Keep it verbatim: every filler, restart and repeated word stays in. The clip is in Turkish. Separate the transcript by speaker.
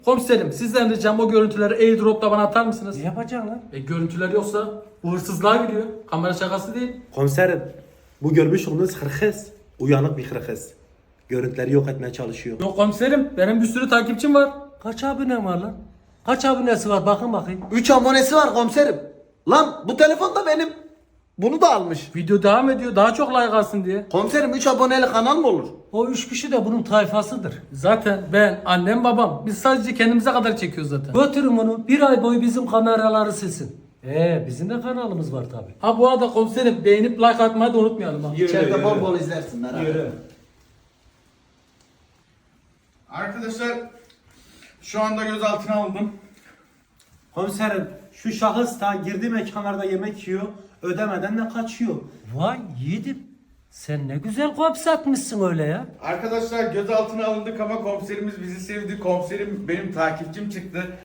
Speaker 1: Komiserim sizden ricam o görüntüleri airdrop'la bana atar mısınız?
Speaker 2: Ne yapacaksın lan?
Speaker 1: E görüntüler yoksa bu hırsızlığa giriyor. Kamera şakası değil.
Speaker 3: Komiserim, bu görmüş olduğunuz hırkız, uyanık bir hırkız. Görüntüleri yok etmeye çalışıyor.
Speaker 1: Yok komiserim benim bir sürü takipçim var.
Speaker 2: Kaç abone var lan? Kaç abonesi var bakın bakayım.
Speaker 4: üç abonesi var komiserim. Lan bu telefon da benim. Bunu da almış.
Speaker 1: Video devam ediyor daha çok like alsın diye.
Speaker 4: Komiserim üç aboneli kanal mı olur?
Speaker 2: O üç kişi de bunun tayfasıdır.
Speaker 1: Zaten ben, annem, babam biz sadece kendimize kadar çekiyoruz zaten.
Speaker 2: Götürün bunu bir ay boyu bizim kameraları silsin. Ee bizim de kanalımız var tabi.
Speaker 1: Ha bu arada komiserim beğenip like atmayı da unutmayalım ha.
Speaker 4: İçeride bol bol izlersinler. abi.
Speaker 5: Arkadaşlar şu anda gözaltına alındım.
Speaker 3: Komiserim, şu şahıs da girdiği mekanlarda yemek yiyor, ödemeden de kaçıyor.
Speaker 2: Vay yiğidim. Sen ne güzel kops atmışsın öyle ya.
Speaker 5: Arkadaşlar gözaltına alındık ama komiserimiz bizi sevdi. Komiserim benim takipçim çıktı.